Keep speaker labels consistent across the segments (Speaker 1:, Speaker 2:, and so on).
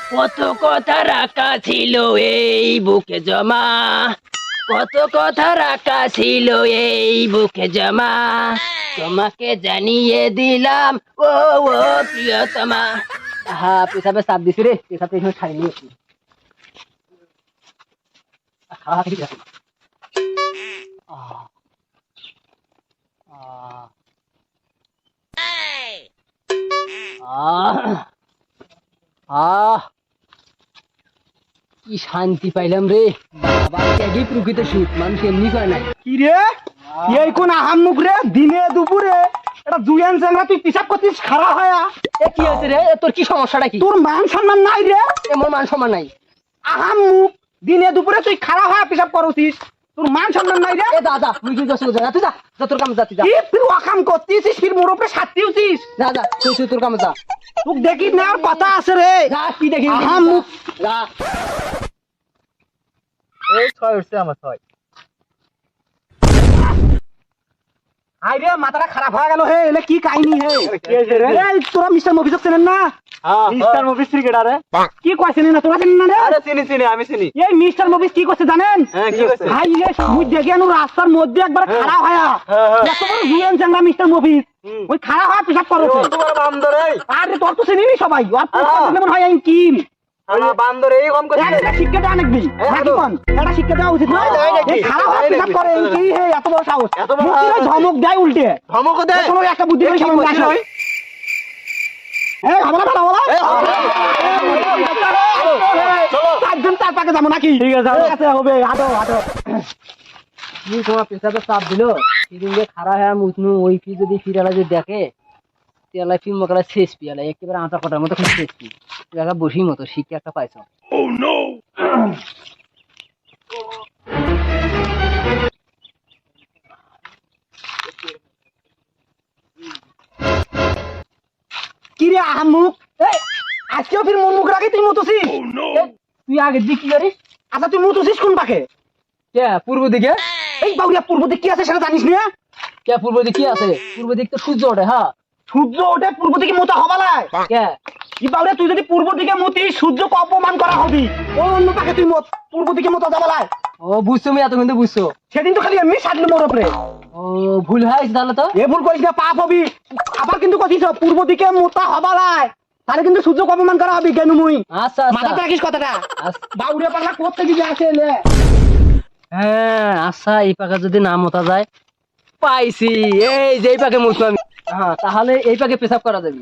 Speaker 1: কত কথা রাখা ছিল এই বুকে জমা, কত কথা রাখা ছিল এই বুকে জমা, তোমাকে জানিয়ে দিলাম ও ও প্রিয়তমা। হ্যাঁ, পেশাবে চাপ দিছি রে, পেশাবে এখানে খাই নিয়েছি। খাওয়া ঠিক আছে। কি শান্তি পাইলাম রে বাবা, ত্যাগই প্রকৃত সুখ, মানুষ এমনি করে নাই।
Speaker 2: কি রে এই কোন আহাম মুখ রে, দিনে দুপুরে এটা জুয়ান চেঙ্গা তুই পিসাব করছিস খারাপ হয়া।
Speaker 1: এ কি হয়েছে রে, তোর কি সমস্যাটা কি?
Speaker 2: তোর মান সম্মান নাই রে,
Speaker 1: এমন মান সম্মান নাই।
Speaker 2: আহাম মুখ, দিনে দুপুরে তুই খারাপ হয়া পিসাব করছিস, তোর মান সম্মান নাই রে।
Speaker 1: এ দাদা তুই কি করছিস? যা তুই, যা যা তোর কামে যা, তুই যা।
Speaker 2: কি তুই অকাম করছিস, ফির মোর উপরে সাথী হচ্ছিস।
Speaker 1: যা যা তুই তুই তোর কামে যা।
Speaker 2: তুই দেখিস না আর কথা আছে রে।
Speaker 1: যা কি দেখি
Speaker 2: আহাম মুখ।
Speaker 1: যা।
Speaker 2: এই ছয় উঠছে আমার ছয়। আই রে মাথাটা খারাপ হয়ে গেল হে, এলে কি কাহিনী হে? এই তোরা মিস্টার মফিজক চেনেন না?
Speaker 3: মিস্টার মুভিস ক্রিকেটারে
Speaker 2: কি কইছেন না তোরা চেনেন না রে?
Speaker 3: আরে চিনি চিনি আমি চিনি।
Speaker 2: এই মিস্টার মুভিস কি করছে জানেন?
Speaker 3: হ্যাঁ কি হচ্ছে?
Speaker 2: ভাই রে মুই দেখি আনু রাস্তার মধ্যে একবার খারাপ হয়া, এত বড় জুয়েন চাঙ্গা মিস্টার মুভিস ওই খারাপ হয়া পেশাব করছে।
Speaker 3: তোমার বান্দর এই
Speaker 2: আরে তোর তো চিনিনি সবাই, আর তোর যেমন হয় আমি কি
Speaker 3: আমার বান্দর এই কম করে
Speaker 2: একটা শিক্ষা দেওয়া নাকি নাকি কোন একটা শিক্ষা দেওয়া উচিত না? এই খারাপ হয়া পেশাব করে এই কি হে, এত বড় সাহস,
Speaker 3: এত বড়
Speaker 2: মুখে
Speaker 3: সাহস।
Speaker 2: ধমক দেয় উল্টে।
Speaker 3: ধমক দে
Speaker 2: তোমার একটা বুদ্ধি করে সামনে আসো। এই হামলা বাড়া বলা চারজন চার পাকে যাবো নাকি? ঠিক আছে হবে, হাঁটো হাঁটো।
Speaker 1: তুই তোমার পেশাবে চাপ দিল, সেদিন যে খারাপ হ্যাঁ মুছনু ওই ফি যদি ফিরালা যদি দেখে, তেলা ফিল্ম মকালা শেষ পিয়ালা একেবারে আটা কটার মতো খুব শেষ পি, তুই একটা বসি মতো শিক্ষা একটা পাইছ।
Speaker 2: কি রে আহামুক, এই আজকেও ফির মুখ মুখ রাখি তুই মুতুছিস?
Speaker 1: তুই আগে দিক কি করিস?
Speaker 2: আচ্ছা তুই মুতুছিস কোন পাকে?
Speaker 1: কে পূর্ব দিকে?
Speaker 2: এই বাউরিয়া পূর্ব দিক কি আছে সেটা জানিস না?
Speaker 1: কে পূর্ব দিক কি আছে? পূর্ব দিক তো সূর্য ওঠে। হ্যাঁ
Speaker 2: সূর্য ওঠে পূর্ব দিকে মোতা হবালায়।
Speaker 1: কে?
Speaker 2: এই বাউরিয়া তুই যদি পূর্ব দিকে মুতিস সূর্যকে অপমান করা হবি, ও অন্য পাকে তুই মত পূর্ব দিকে মোতা যাবালায়।
Speaker 1: ও বুঝছো, আমি এতক্ষণ তো বুঝছো।
Speaker 2: সেদিন তো খালি এমনি সাজলি মোর উপরে।
Speaker 1: ও ভুল হয়েছে তাহলে তো।
Speaker 2: এ ভুল করিস না, পাপ হবি। আবার কিন্তু কথিস পূর্ব দিকে মোতা হবালায়, তাহলে কিন্তু সূর্যকে অপমান করা হবি কেন মুই।
Speaker 1: আচ্ছা
Speaker 2: মাথাতে
Speaker 1: আচ্ছা
Speaker 2: রাখিস কথাটা।
Speaker 1: আচ্ছা।
Speaker 2: বাউরিয়া পাগলা করতে গিয়ে আসে লে।
Speaker 1: হ্যাঁ আচ্ছা, এই পাকে যদি না মতা যায়, পাইছি এই যে এই পাকে মুছবো আমি। হ্যাঁ তাহলে এই পাকে পেশাব করা যাবে।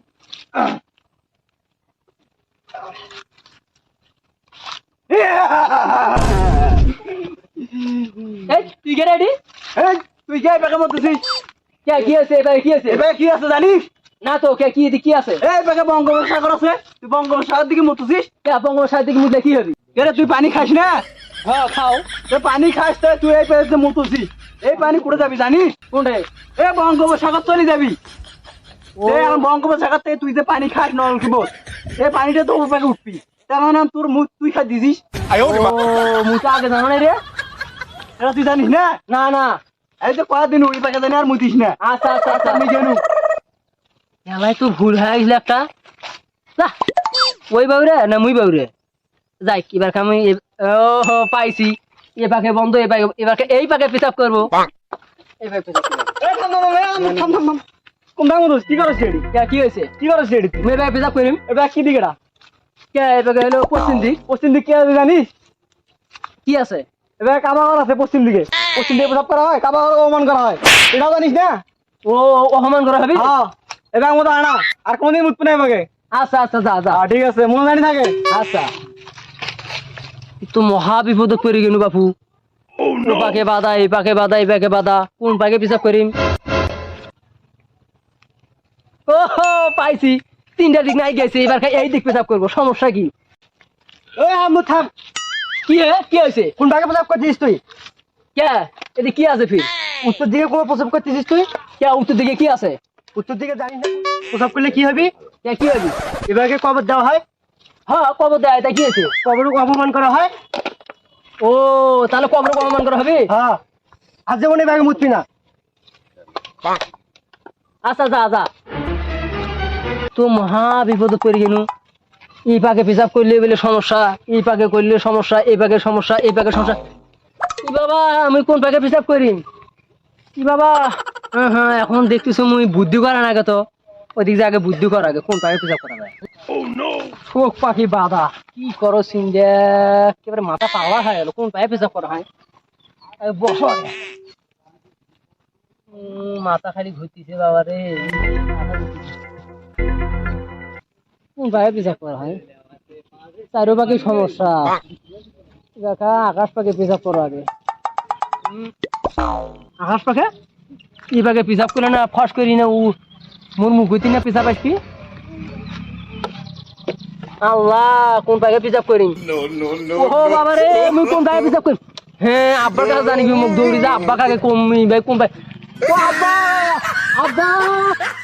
Speaker 1: এই তুই কে রেডি?
Speaker 2: এই তুই কে পাকে মতুছিস?
Speaker 1: কে কি আছে এবারে, কি আছে?
Speaker 2: এবার কি আছে জানিস?
Speaker 1: না তো কে কি কি আছে?
Speaker 2: এই পাকে বঙ্গোপসাগর আছে, তুই বঙ্গোপসাগর দিকে মতুছিস।
Speaker 1: কে বঙ্গোপসাগর থেকে মুছলে কি হবে?
Speaker 2: কে তুই পানি খাস না?
Speaker 1: হ্যাঁ খাও।
Speaker 2: তুই পানি খাস তো তুই এই পাশে মতুছিস। এই পানি কুড়ে যাবি জানিস?
Speaker 1: কোনটাই?
Speaker 2: এ বঙ্গোপসাগর চলে যাবি।
Speaker 1: ও
Speaker 2: এই আর বঙ্গোপসাগর থেকে তুই যে পানি খাস নলকূপ, এই পানিটা তো ওর পাকে উঠবি, তার মানে তোর মুখ তুই খাই দিছিস।
Speaker 1: ও মুছা আগে জানো না রে?
Speaker 2: এটা তুই জানিস না?
Speaker 1: না না।
Speaker 2: এই যে কয়েকদিন ওই পাকে জানি আর মুতিস না।
Speaker 1: আচ্ছা আচ্ছা আচ্ছা
Speaker 2: আমি জানু
Speaker 1: এলাই তো ভুল হয়ে গেছিল একটা। যা ওই বাউরে না মুই বাউরে যাই, এবার আমি ও পাইছি। এ পাকে বন্ধ, এ পাকে এবার এই পাকে পেশাব করবো। এই পাকে পেশাব করবো।
Speaker 2: এই থাম থাম থাম থাম থাম থাম। কোনটা মতুস কি করছিস এডি?
Speaker 1: কে কি হয়েছে?
Speaker 2: কি করছিস এডি?
Speaker 1: তুমি এই পাকে পেশাব করিম।
Speaker 2: এবার কি দিকেটা?
Speaker 1: কে এই পাকে হলো পশ্চিম দিক।
Speaker 2: পশ্চিম দিক কি আছে জানিস?
Speaker 1: কি আছে?
Speaker 2: এবার কাবাগর আছে পশ্চিম দিকে, পশ্চিম দিকে প্রসাব করা হয়, কাবাগর অপমান করা হয়, এটাও জানিস না?
Speaker 1: ও অপমান করা হবে।
Speaker 2: হ্যাঁ এবার মতো আনা আর কোনদিন মুতবি না এবারে।
Speaker 1: আচ্ছা আচ্ছা যা যা।
Speaker 2: ঠিক আছে মনে জানি থাকে।
Speaker 1: আচ্ছা তো মহা বিপদে পড়ে গেল বাপু। ও পাকে বাধা, এই পাকে বাধা, এই পাকে বাধা, কোন পাকে পেশাব করিম? ও পাইছি, তিনটা দিক নাই গেছে, এবার এই দিক পেশাব করবো। সমস্যা কি?
Speaker 2: ওই আমু থাম।
Speaker 1: কি কি হয়েছে?
Speaker 2: কোন ভাগে প্রসাব করছিস তুই?
Speaker 1: কে এদিকে কি আছে ফির?
Speaker 2: উত্তর দিকে কোনো প্রসাব করতেছিস তুই?
Speaker 1: কে উত্তর দিকে কি আছে?
Speaker 2: উত্তর দিকে জানিস না প্রসাব করলে কি হবে?
Speaker 1: কে কি হবে?
Speaker 2: এবারে কবর দেওয়া হয়,
Speaker 1: হ্যাঁ কবর দেয়, তাই কি আছে?
Speaker 2: কবরকে অপমান করা হয়।
Speaker 1: ও তাহলে কবর অপমান করা হবে।
Speaker 2: হ্যাঁ আর যেমন এবারে মুতবি না।
Speaker 1: আচ্ছা যা যা। তো মহা বিপদে পড়ে গেল। এই পাকে পেশাব করলে বলে সমস্যা, এই পাকে করলে সমস্যা, এই পাকে সমস্যা, এই পাকে সমস্যা। কি বাবা আমি কোন পাকে পেশাব করি? কি বাবা? হ্যাঁ হ্যাঁ, এখন দেখতেছো মুই বুদ্ধি করা না তো, ওদিক আগে বুদ্ধি করা আগে কোন পাকে পেশাব করা যায়। শোক পাখি বাবা কি করো সিন্ডা, একেবারে মাথা পাওয়া হয়ে গেল, কোন পায়ে পেশাব করা হয়? বসো আগে। মাথা খালি ঘুরতেছে বাবা রে, কোন পায়ে পেশাব করা হয়? চারো পাখি সমস্যা, দেখা আকাশ পাখি পেশাব করো আগে।
Speaker 2: আকাশ পাখে
Speaker 1: এই পাখি পেশাব করলে না ফস করি না, ও মোর মুখ হইতে না পেশাব আসবি। আল্লাহ কোন পাখি পেশাব করি? ও বাবা রে মুই কোন পাখি পেশাব করি? হ্যাঁ আব্বার কাছে জানিবি, মুখ দৌড়ি যা আব্বা কাকে কমি ভাই কোন পাখি। ও আব্বা, আব্বা